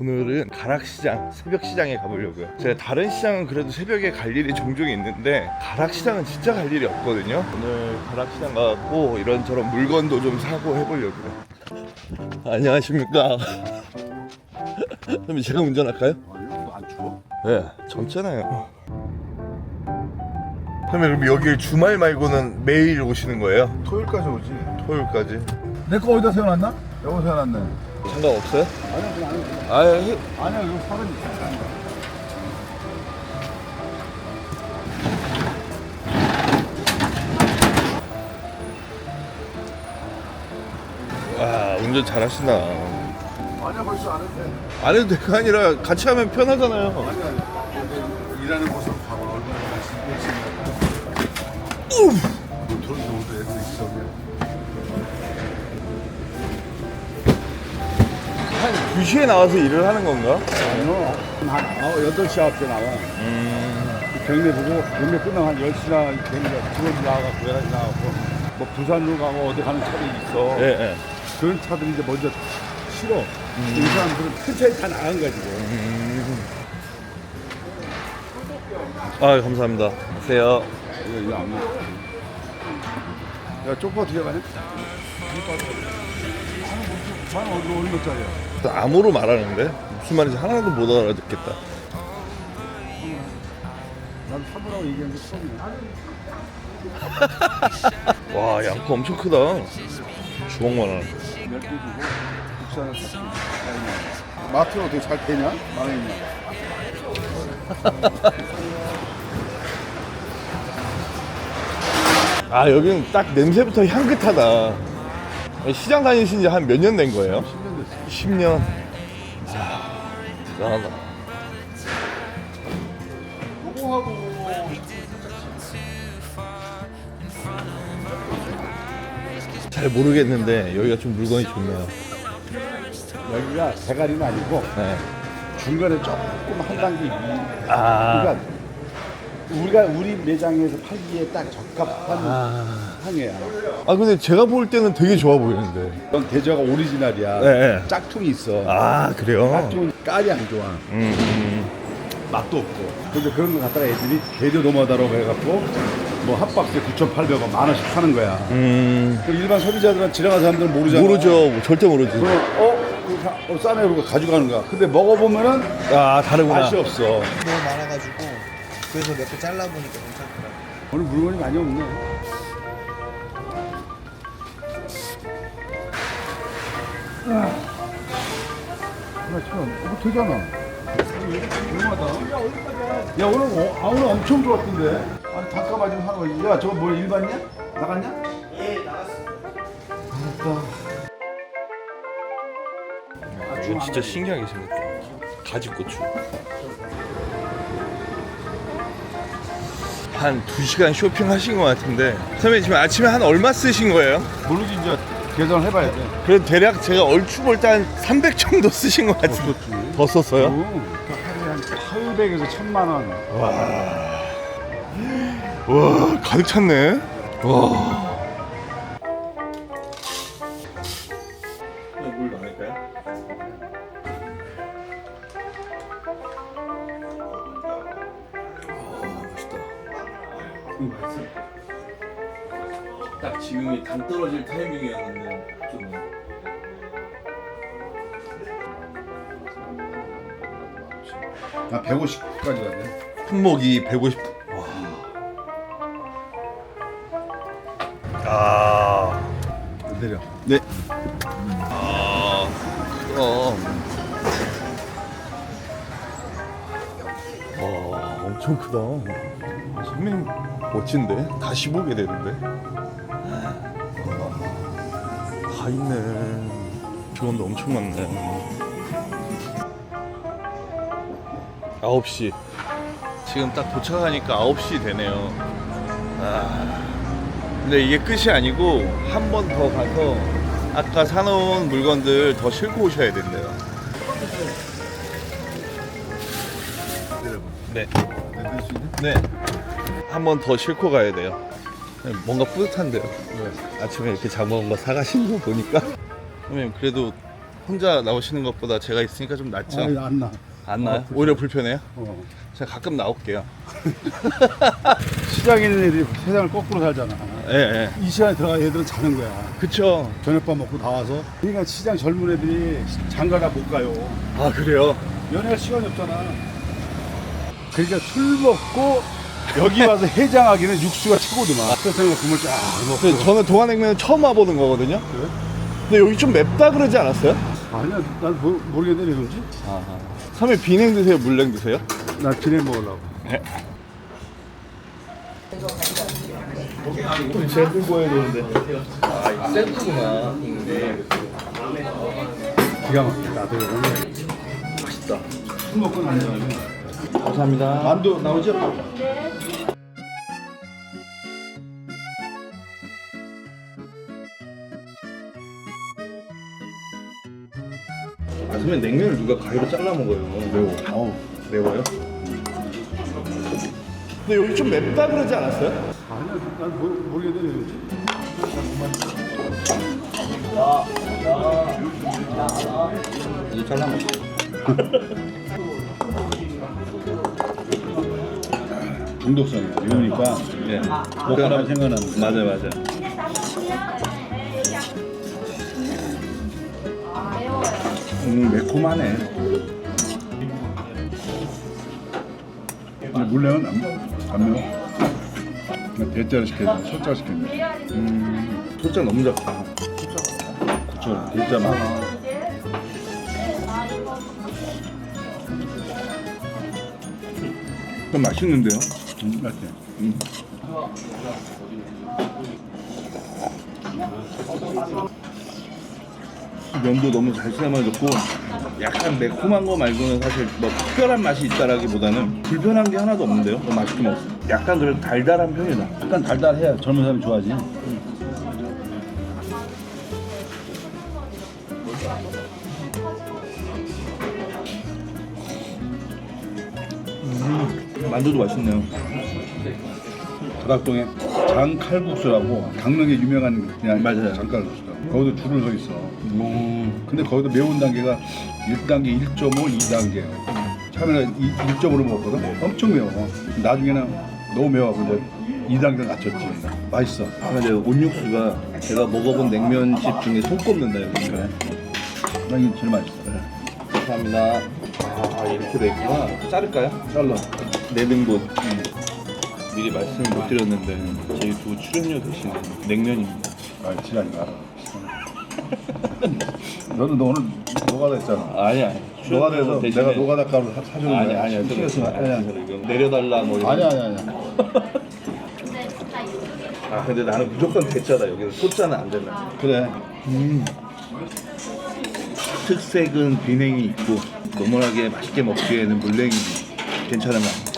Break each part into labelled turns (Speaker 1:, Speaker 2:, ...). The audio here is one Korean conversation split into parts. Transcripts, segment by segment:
Speaker 1: 오늘은 가락시장, 새벽시장에 가보려고요. 제가 다른 시장은 그래도 새벽에 갈 일이 종종 있는데 가락시장은 진짜 갈 일이 없거든요. 오늘 가락시장 가고 이런저런 물건도 좀 사고 해보려고요. 안녕하십니까. 그럼 제가 운전할까요?
Speaker 2: 아니요, 안 추워?
Speaker 1: 네, 젊잖아요. 그러면 여기 주말 말고는 매일 오시는 거예요?
Speaker 2: 토요일까지 오지.
Speaker 1: 토요일까지?
Speaker 2: 내 거 어디다 세워놨나? 여기 세워놨네.
Speaker 1: 상관없어요?
Speaker 2: 아니야, 그냥 안 해. 아니야, 이거 사람이 있어.
Speaker 1: 와, 운전 잘하시나.
Speaker 2: 아니야, 벌써 안 해도 돼.
Speaker 1: 안 해도 될거 아니라 같이 하면 편하잖아요.
Speaker 2: 아니야, 일하는 모습 봐봐. 얼마나 열심히 돈이 정도 애들 있어.
Speaker 1: 한 2시에 나와서 일을 하는 건가?
Speaker 2: 아니요. 한 8시, 9시 나와. 경매 보고, 경매 끝나면 한 10시나 경매 두번 나와갖고, 11시 나와갖고, 뭐 부산으로 가고 어디 가는 차들이 있어.
Speaker 1: 예, 예.
Speaker 2: 그런 차들이 이제 먼저 실어. 이 사람들은 큰 차에 다 나간 거야, 지금.
Speaker 1: 아, 감사합니다. 안녕하세요.
Speaker 2: 이거 안 먹어. 야, 쪼꼬 어떻게 가냐? 만 어디로 얼마짜리야?
Speaker 1: 암호로 말하는데 무슨 말인지 하나도 못 알아듣겠다.
Speaker 2: 난 사부라고 얘기한 게 처음이야.
Speaker 1: 와, 양파 엄청 크다. 주먹만 하는.
Speaker 2: 10개 주고 국산을 샀지. 마트는 어떻게 잘 되냐? 망했냐?
Speaker 1: 아, 여기는 딱 냄새부터 향긋하다. 시장 다니신 지 한 몇 년 된 거예요?
Speaker 2: 10년 됐어.
Speaker 1: 10년. 대단하다.
Speaker 2: 요거하고
Speaker 1: 잘 모르겠는데 여기가 좀 물건이 좋네요.
Speaker 2: 여기가 대가리는 아니고
Speaker 1: 네.
Speaker 2: 중간에 조금 한 단계 위.
Speaker 1: 아,
Speaker 2: 그러니까 우리가 우리 매장에서 팔기에 딱 적합한 향이야.
Speaker 1: 아 근데 제가 볼 때는 되게 좋아 보이는데.
Speaker 2: 이건 대저가 오리지널이야.
Speaker 1: 네.
Speaker 2: 짝퉁이 있어.
Speaker 1: 아, 그래요?
Speaker 2: 짝퉁은 깔이 안 좋아. 맛도 없고. 근데 그런 거 갖다가 애들이 개도 노마다라고 해갖고 뭐 한 박스에 9,800원, 10,000원씩 파는 거야. 그 일반 소비자들은 지나가는 사람들은 모르잖아.
Speaker 1: 모르죠. 절대 모르지.
Speaker 2: 그럼 싸네 그러고 가져가는 거야. 근데 먹어보면은
Speaker 1: 아, 다르구나.
Speaker 2: 맛이 없어.
Speaker 3: 너무 많아가지고 그래서 몇 개 잘라보니까 괜찮더라고요.
Speaker 2: 오늘 물건이 많이 없네. 이거 되잖아. 얼마다? 야 오늘 엄청 좋았던데. 아니 단가 맞으면 하는 거지. 야 저거 뭐 일반이야? 나갔냐?
Speaker 3: 예, 나갔습니다.
Speaker 1: 이거 진짜 신기하게 생겼다. 가지고추. 한 2시간 쇼핑하신 것 같은데 선생님 지금 아침에 한 얼마 쓰신 거예요?
Speaker 2: 모르지 이제 계산을 해봐야 돼.
Speaker 1: 그래도 대략 제가 얼추 볼 때 한 300 정도 쓰신 것 같은데
Speaker 2: 썼지.
Speaker 1: 더 썼어요?
Speaker 2: 하루에 한 800에서 1,000만 원.
Speaker 1: 와, 가득 찼네. 와. 물 많을까요?
Speaker 2: 맛있어.
Speaker 1: 딱 지금이 당 떨어질 타이밍이었는데 좀.
Speaker 2: 나 150까지 가네.
Speaker 1: 품목이 150. 와. 아.
Speaker 2: 내려.
Speaker 1: 네. 아. 그럼. 와, 엄청 크다. 선배님 멋진데? 다시 보게 되는데. 다 있네. 직원도 엄청 많네. 9시. 지금 딱 도착하니까 9시 되네요. 아. 근데 이게 끝이 아니고 한 번 더 가서 아까 사놓은 물건들 더 싣고 오셔야 된대요. 네.
Speaker 2: 내릴 수 있냐?
Speaker 1: 네. 한 번 더 싣고 가야 돼요. 뭔가 뿌듯한데요. 아침에 이렇게 잡아온 거 사가시는 거 보니까. 선생님 그래도 혼자 나오시는 것보다 제가 있으니까 좀 낫죠?
Speaker 2: 아, 안 나.
Speaker 1: 안 나요? 오히려 불편해요?
Speaker 2: 어.
Speaker 1: 제가 가끔 나올게요.
Speaker 2: 시장에 있는 애들이 세상을 거꾸로 살잖아.
Speaker 1: 예, 예.
Speaker 2: 이 시간에 들어가 애들은 자는 거야.
Speaker 1: 그쵸.
Speaker 2: 저녁밥 먹고 나와서. 그러니까 시장 젊은 애들이 장가가 못 가요.
Speaker 1: 아, 그래요?
Speaker 2: 연애할 시간이 없잖아. 그러니까 술 먹고 여기 와서 해장하기는 육수가 최고더만. 그래서 내가 국물 쫙 먹고.
Speaker 1: 근데 저는 동안냉면은 처음 와보는 거거든요?
Speaker 2: 그래?
Speaker 1: 근데 여기 좀 맵다 그러지 않았어요?
Speaker 2: 아니야, 난 모르겠네, 이런지.
Speaker 1: 아하. 선배 비냉 드세요? 물냉 드세요?
Speaker 2: 나 진행 먹으려고.
Speaker 1: 네. 제가 들고 와야 되는데. 아, 이거 세트구나.
Speaker 2: 기가 막히다. 나도 오늘
Speaker 1: 맛있다.
Speaker 2: 술 먹고 나면
Speaker 1: 감사합니다.
Speaker 2: 만두 나오죠?
Speaker 1: 아, 선배 냉면을 누가 가위로 잘라 먹어요. 매워.
Speaker 2: 어우.
Speaker 1: 매워요? 근데 여기 좀 맵다 그러지 않았어요?
Speaker 2: 아니야, 난 모르겠네, 이런지.
Speaker 1: 이제 잘라 먹어.
Speaker 2: 중독성이야. 이러니까
Speaker 1: 네.
Speaker 2: 먹고 나면 생각나는 거야.
Speaker 1: 맞아, 맞아. 매콤하네.
Speaker 2: 근데 물냉은 안 매워. 그냥 대짜를 시켰네, 소짜를 시켰네.
Speaker 1: 소장 너무 작다.
Speaker 2: 그쵸, 대짜 많아.
Speaker 1: 좀 맛있는데요?
Speaker 2: 맞지?
Speaker 1: 면도 너무 잘 삶아졌고 약간 매콤한 거 말고는 사실 뭐 특별한 맛이 있다라기보다는 불편한 게 하나도 없는데요? 너무 맛있게 먹었어. 약간 그래도 달달한 편이다.
Speaker 2: 약간 달달해야 젊은 사람이 좋아하지.
Speaker 1: 만두도 맛있네요.
Speaker 2: 다락동에 장칼국수라고 강릉에 유명한 그냥
Speaker 1: 맞아요.
Speaker 2: 장칼국수다. 거기도 줄을 서 있어. 근데 거기도 매운 단계가 1단계, 1.5, 2단계. 처음에는 1.5로 먹었거든. 엄청 매워. 나중에는 너무 매워가지고 이제 2단계를 낮췄지. 맛있어.
Speaker 1: 아, 근데 온육수가 제가 먹어본 냉면집 중에 손꼽는다 여기.
Speaker 2: 그래. 나 이게 제일 맛있어.
Speaker 1: 감사합니다. 아, 이렇게 돼 있구나. 자를까요?
Speaker 2: 잘라.
Speaker 1: 내등분. 미리 말씀을 못 드렸는데 저희 두 출연료 대신 냉면입니다.
Speaker 2: 아, 지랄인가. 너는 너 오늘 노가다 했잖아.
Speaker 1: 아니야.
Speaker 2: 노가다에서 내가 노가다 값을 사주는 거야.
Speaker 1: 아니야.
Speaker 2: 아니야.
Speaker 1: 내려달라 뭐 이런.
Speaker 2: 아니야.
Speaker 1: 아, 근데 나는 무조건 대짜다. 여기는 소짜는 안 된다.
Speaker 2: 그래.
Speaker 1: 특색은 비냉이 있고 노멀하게 맛있게 먹기에는 물냉이 괜찮은 것 같아요.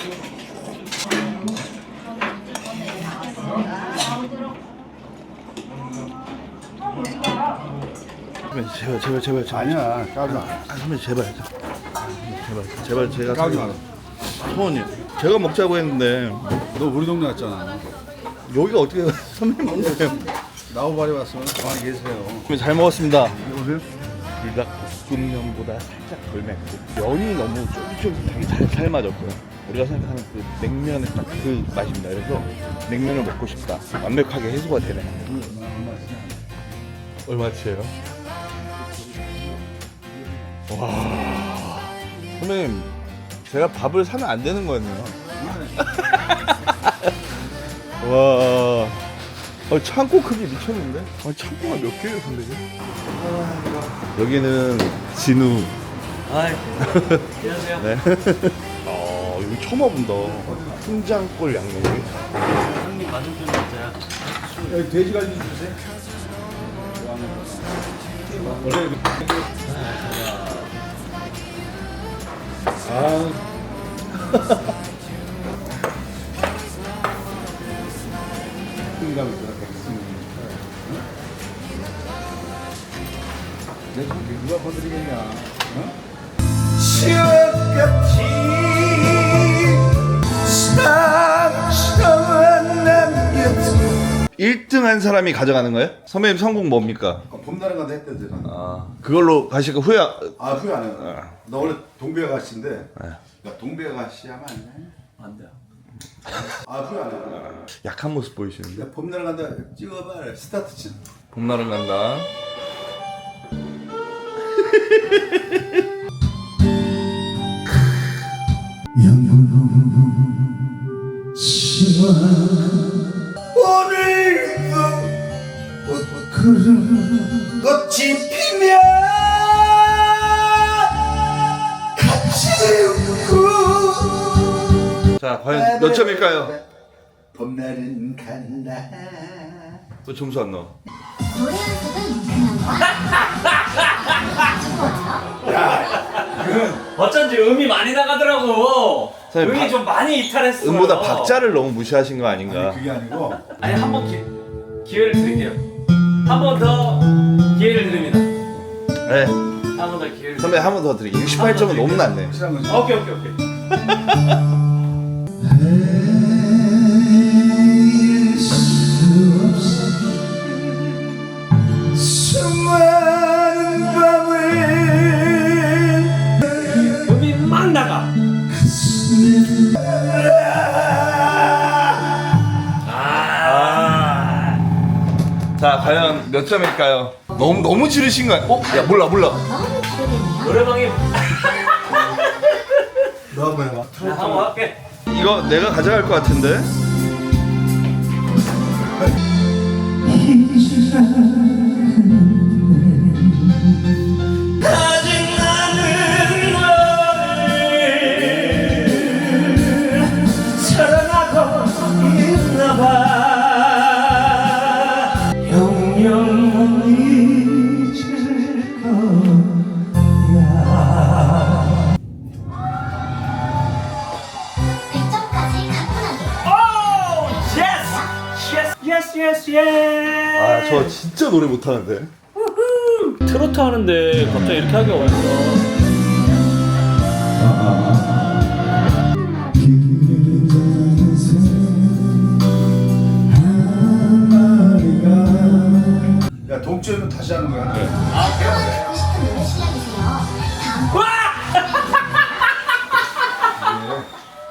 Speaker 1: 제발.
Speaker 2: 아니야. 까지 마.
Speaker 1: 아, 선배 제발. 제발 제가
Speaker 2: 까지 마.
Speaker 1: 소원이요. 제가 먹자고 했는데
Speaker 2: 너 우리 동네 왔잖아.
Speaker 1: 여기가 어떻게 선배님 먹는 거예요?
Speaker 2: 나우바리 왔으면 가만히 계세요.
Speaker 1: 잘 먹었습니다.
Speaker 2: 오세요?
Speaker 1: 불닭볶음면보다 살짝 덜 맵고 면이 너무 쫄깃쫄깃하게 잘 삶아졌고요. 우리가 생각하는 그 냉면의 딱 그 맛입니다. 그래서 냉면을 먹고 싶다. 완벽하게 해소가 되네. 얼마치예요? 와, 선배님 제가 밥을 사면 안 되는 거였네요. 와, 창고 크기 미쳤는데? 창고가 몇 개예요, 선배님? 여기는 진우.
Speaker 3: 안녕하세요.
Speaker 1: 네. 여기 처음 와본다. 훈장골 양념이.
Speaker 3: 형님 맞은편 맞아요.
Speaker 2: 여기 돼지갈비 주세요. 승리감 있더라. 내가 누가 건드리겠냐? 어?
Speaker 4: 추억같이 상처만 남겨둔
Speaker 1: 1등 한 사람이 가져가는 거예요? 선배님 성공 뭡니까?
Speaker 2: 봄날은 간다 했대 제가.
Speaker 1: 아 그걸로 가실까 후회
Speaker 2: 후회 안 해요. 나 원래 동배 아가씨인데.
Speaker 1: 네.
Speaker 2: 야 동배 아가씨 하면 안 돼?
Speaker 3: 안 돼요.
Speaker 2: 후회 안 해요.
Speaker 1: 약한 모습 보이시는데?
Speaker 2: 야 봄날은 간다 찍어봐. 스타트 치.
Speaker 1: 봄날은 간다.
Speaker 3: 오늘도 꽃이 피면 같이 웃고
Speaker 1: 자 과연 몇 점일까요?
Speaker 2: 봄날은 간다.
Speaker 1: 또 점수 안 나와.
Speaker 4: 노래 연습은 그냥
Speaker 5: 어쩐지 음이 많이 나가더라고.
Speaker 1: 선생님,
Speaker 5: 음이 좀 많이 이탈했어.
Speaker 1: 음보다 박자를 너무 무시하신 거 아닌가?
Speaker 2: 그게 아니고
Speaker 5: 아니 한 번 기회를 드릴게요. 한 번 더 기회를 드립니다.
Speaker 1: 네.
Speaker 5: 한 번 더 기회를.
Speaker 1: 선배 한 번 더 드릴게요. 68점은 너무 낮네.
Speaker 2: 확실한 거지.
Speaker 5: 오케이.
Speaker 3: 수많은 밤을
Speaker 5: 음이 막 나가.
Speaker 1: 자 과연 몇 점일까요? 너무 지르신 거야. 야 몰라.
Speaker 4: 너무 기대되네요.
Speaker 5: 노래방에
Speaker 2: 너 한번 해봐.
Speaker 5: 한번 할게.
Speaker 1: 이거 내가 가져갈 것 같은데?
Speaker 5: 아직 나는 너를 사랑하고 있나봐. 영영 못 잊을 거야.
Speaker 4: 100점까지 가뿐하게.
Speaker 5: 오! 예스!
Speaker 1: 아 저 진짜 노래 못하는데.
Speaker 5: 트로트 하는데 갑자기 이렇게 하기가 어딨어.
Speaker 2: 야 동점은 다시 하는 거야.
Speaker 4: 듣고 싶은 노래 실력이세요. 다음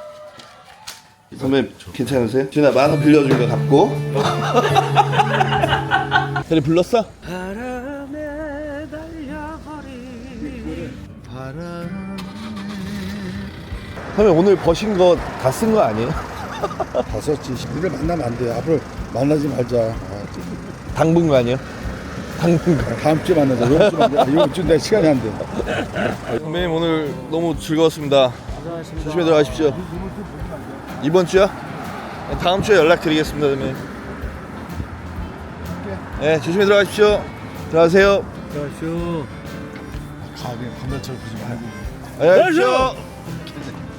Speaker 1: 선배님 괜찮으세요? 준아 만원 빌려준 거 갚고. 그래 불렀어?
Speaker 5: 바람에 달려버린
Speaker 1: 선배님 오늘 버신 거 다 쓴 거 아니에요?
Speaker 2: 다 썼지. 우리를 만나면 안 돼. 앞으로 만나지 말자.
Speaker 1: 당분간이요? 당분간.
Speaker 2: 다음 주에 만나자. 이번 주 만나자. 이번 주 내 시간이 안 돼.
Speaker 1: 선배님 오늘 너무 즐거웠습니다. 조심히 들어가십시오. 이번 주요? 다음 주에 연락드리겠습니다, 선배님. 네, 조심히 들어가십시오. 들어가세요.
Speaker 2: 가게 건달처럼 보지 말고.
Speaker 1: 안녕히 가십시오.